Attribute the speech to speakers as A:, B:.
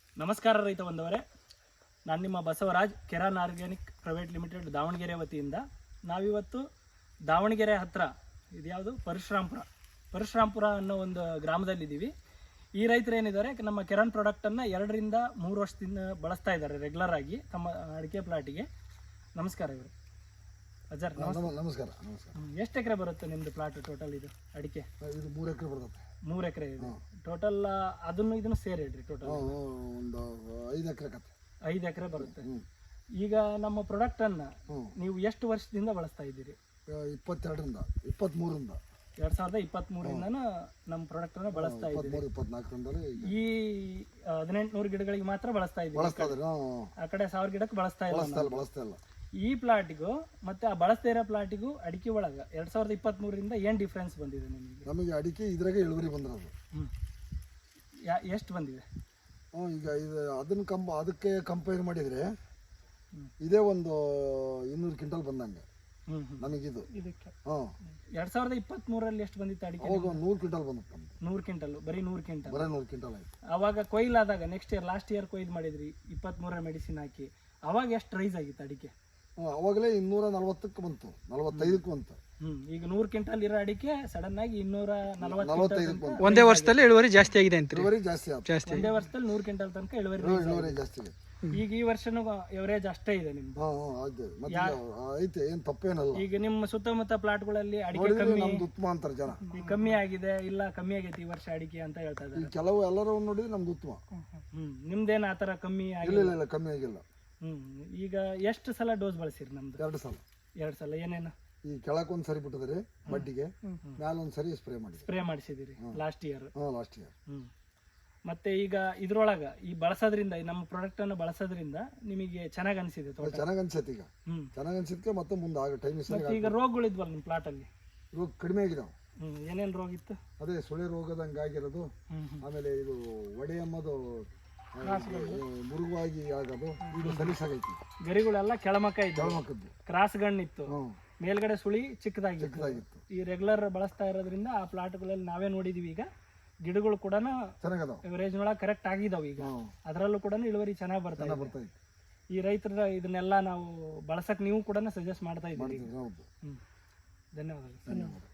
A: ನಮಸ್ಕಾರ ರೈತ ಬಂದವರೇ, ನಾನು ನಿಮ್ಮ ಬಸವರಾಜ್ ಕೆರಾನ್ ಆರ್ಗ್ಯಾನಿಕ್ ಪ್ರೈವೇಟ್ ಲಿಮಿಟೆಡ್ ದಾವಣಗೆರೆ ವತಿಯಿಂದ ನಾವಿವತ್ತು ದಾವಣಗೆರೆ ಹತ್ರ ಇದ್ಯಾವುದು ಪರಶುರಾಂಪುರ ಅನ್ನೋ ಒಂದು ಗ್ರಾಮದಲ್ಲಿದ್ದೀವಿ. ಈ ರೈತರು ಏನಿದ್ದಾರೆ ನಮ್ಮ ಕೆರಾನ್ ಪ್ರಾಡಕ್ಟನ್ನು 2 ರಿಂದ 3 ವರ್ಷದಿಂದ ಬಳಸ್ತಾ ಇದ್ದಾರೆ ರೆಗ್ಯುಲರ್ ಆಗಿ ತಮ್ಮ ಅಡಿಕೆ ಪ್ಲಾಟಿಗೆ. ನಮಸ್ಕಾರ ಇವರು ಅಜರ್.
B: ನಮಸ್ಕಾರ.
A: ಎಷ್ಟು ಎಕರೆ ಬರುತ್ತೆ ನಿಮ್ಮದು ಪ್ಲಾಟ್ ಟೋಟಲ್? ಇದು ಅಡಿಕೆ
B: ಇದು 3 ಎಕರೆ ಬರುತ್ತೆ.
A: 3 ಎಕರೆ ಇದೆ ಟೋಟಲ್. ಅದನ್ನು ಇದನ್ನು ಸೇರಿ ಹೇಳ್ರಿ ಟೋಟಲ್
B: ಒಂದು 5 ಎಕರೆ ಕತೆ.
A: 5 ಎಕರೆ ಬರುತ್ತೆ. ಈಗ ನಮ್ಮ ಪ್ರಾಡಕ್ಟ್ ಅನ್ನ ನೀವು ಎಷ್ಟು ವರ್ಷದಿಂದ ಬಳಸ್ತಾ ಇದ್ದೀರಿ?
B: 22ರಿಂದ 23ರಿಂದ
A: 2023ರಿಂದ ನಮ್ಮ ಪ್ರಾಡಕ್ಟ್ ಅನ್ನ ಬಳಸ್ತಾ ಇದ್ದೀರಿ.
B: 24ರಿಂದಲೇ
A: ಈ 1800 ಗಿಡಗಳಿಗೆ ಮಾತ್ರ ಬಳಸ್ತಾ ಇದ್ದೀರಿ. ಆ ಕಡೆ 1000 ಗಿಡಕ್ಕೆ ಬಳಸ್ತಾ ಇಲ್ಲ. ಈ ಪ್ಲಾಟಿಗೂ ಮತ್ತೆ ಆ ಬಳಸ್ತಾ ಇರೋ ಪ್ಲಾಟಿಗೂ ಅಡಿಕೆ ಒಳಗ 2023ರಿಂದ ಏನ್ ಡಿಫ್ರೆನ್ಸ್ ಬಂದಿದೆ ನಿಮಗೆ?
B: ನಮಗೆ ಅಡಿಕೆ ಇದ್ರಾಗ ಇಳುವರಿ ಬಂದಿರೋದು.
A: ಎಷ್ಟು ಬಂದಿದೆ?
B: ಈಗ ಇದು ಅದಕ್ಕೆ ಕಂಪೇರ್ ಮಾಡಿದ್ರೆ ಇದೇ ಒಂದು 200 ಕ್ವಿಂಟಲ್ ಬಂದಂಗೆ ನಮಗಿದು.
A: 2023ರಲ್ಲಿ ಎಷ್ಟು ಬಂದಿತ್ತು ಅಡಿಕೆ?
B: ಅವಾಗ 100 ಕ್ವಿಂಟಲ್ ಬಂದಿತ್ತು.
A: 100 ಕ್ವಿಂಟಲ್, ಬರೀ 100 ಕ್ವಿಂಟಲ್.
B: ಆಯ್ತು.
A: ಅವಾಗ ಕೊಯ್ಲಾದಾಗ ನೆಕ್ಸ್ಟ್ ಇಯರ್ ಲಾಸ್ಟ್ ಇಯರ್ ಕೊಯ್ದು ಮಾಡಿದ್ರಿ 23ರ ಮೆಡಿಸಿನ್ ಹಾಕಿ. ಅವಾಗ ಎಷ್ಟು ರೈಸ್ ಆಗಿತ್ತು ಅಡಿಕೆ?
B: ಅವಾಗಲೇ 240ಕ್ಕೆ ಬಂತು, 45ಕ್ಕೆ ಬಂತು.
A: ಈಗ 100 ಕ್ವಿಂಟಲ್ ಇರೋ ಅಡಿಕೆ ಸಡನ್ ಆಗಿ 245
C: ಒಂದೇ ವರ್ಷದಲ್ಲಿ ಇಳುವರಿ ಜಾಸ್ತಿ ಆಗಿದೆ ಅಂತ.
B: ಇಳುವರಿ ಜಾಸ್ತಿ ಆಯ್ತು.
A: ಒಂದೇ ವರ್ಷದಲ್ಲಿ 100 ಕ್ವಿಂಟಲ್ ತನಕ
B: ಇಳುವರಿ ಜಾಸ್ತಿ ಆಗಿದೆ.
A: ಈಗ ಈ ವರ್ಷನೂ ಎವರೇಜ್ ಅಷ್ಟೇ ಇದೆ ನಿಮ್ದು?
B: ಐತೆ, ಏನ್ ತಪ್ಪೇನಲ್ಲ.
A: ಈಗ ನಿಮ್ಮ ಸುತ್ತಮುತ್ತ ಪ್ಲಾಟ್ಗಳಲ್ಲಿ ಅಡಿಕೆ
B: ನಮ್ದು ಉತ್ತಮ ಅಂತಾರೆ ಜನ.
A: ಕಮ್ಮಿ ಆಗಿದೆ, ಇಲ್ಲ ಕಮ್ಮಿ ಆಗೈತಿ ಈ ವರ್ಷ ಅಡಿಕೆ ಅಂತ ಹೇಳ್ತಾ ಇದ್ದಾರೆ.
B: ಕೆಲವು ಎಲ್ಲರೂ ನೋಡಿದ್ರೆ ನಮ್ದು ಉತ್ತಮ.
A: ನಿಮ್ದೇನ ಆತರ ಕಮ್ಮಿ
B: ಇಲ್ಲ, ಕಮ್ಮಿ ಆಗಿಲ್ಲ.
A: ಈಗ ಎಷ್ಟು ಸಲ ಡೋಸ್ ಬಳಸಿರಿ ನಮ್ದು?
B: 2 ಸಲ.
A: 2 ಸಲ. ಏನೇನು?
B: ಈ ಕೆಳಕ್ ಒಂದ್ ಸರಿ ಬಿಟ್ಟಿದ್ರಿ ಮಡ್ಡಿಗೆ, ಮ್ಯಾಲ ಒಂದ್ ಸರಿ ಸ್ಪ್ರೇ
A: ಮಾಡಿಸಿದಿರಿ ಲಾಸ್ಟ್ ಇಯರ್.
B: ಇಯರ್.
A: ಮತ್ತೆ ಈಗ ಇದ್ರೊಳಗ ಈ ಬಳಸೋದ್ರಿಂದ, ನಮ್ಮ ಪ್ರಾಡಕ್ಟ್ ಅನ್ನು ಬಳಸೋದ್ರಿಂದ ನಿಮಗೆ ಚೆನ್ನಾಗ್ ಅನ್ಸಿದೆ?
B: ಚೆನ್ನಾಗ್ ಅನ್ಸೈತಿ. ಈಗ ಚೆನ್ನಾಗ್ ಅನ್ಸಿದ್ಕೆ ಮತ್ತೆ ಮುಂದೆ ಆಗ ಟೈಮ್.
A: ಈಗ ರೋಗಗಳಿದ್ವಲ್ಲ ನಿಮ್ಮ ಪ್ಲಾಟ್ ಅಲ್ಲಿ?
B: ರೋಗ ಕಡಿಮೆ ಆಗಿದಾವ.
A: ಏನೇನ್ ರೋಗ ಇತ್ತು?
B: ಅದೇ ಸುಳಿ ರೋಗದಂಗ ಆಗಿರೋದು, ಆಮೇಲೆ ಇದು ಒಡೆ ಎಂಬುದು ಮುರುಗಾಗಿ ಆಗೋದು, ಇದು ಸಲೀಸಾಗೈತಿ.
A: ಗರಿಗಳೆಲ್ಲ ಕೆಳಮಕ್ಕ ಇತ್ತು, ಕ್ರಾಸ್ ಗಣ್ಣಿತ್ತು, ಮೇಲ್ಗಡೆ ಸುಳಿ ಚಿಕ್ಕದಾಗಿತ್ತು. ಈ ರೆಗ್ಯುಲರ್ ಬಳಸ್ತಾ ಇರೋದ್ರಿಂದ ಆ ಪ್ಲಾಟ್ಗಳಲ್ಲಿ ನಾವೇ ನೋಡಿದೀವಿ. ಈಗ ಗಿಡಗಳು ಕೂಡ ಎವರೇಜ್ ನೊಳಗೆ ಕರೆಕ್ಟ್ ಆಗಿದಾವ. ಈಗ ಅದರಲ್ಲೂ ಕೂಡ ಇಳುವರಿ ಚೆನ್ನಾಗಿ ಬರ್ತಾ ಇದೆ. ಈ ರೈತರ ಇದನ್ನೆಲ್ಲ ನಾವು ಬಳಸಕ್ ನೀವು ಕೂಡ ಸಜೆಸ್ಟ್ ಮಾಡ್ತಾ ಇದ್ದೀವಿ. ಧನ್ಯವಾದಗಳು.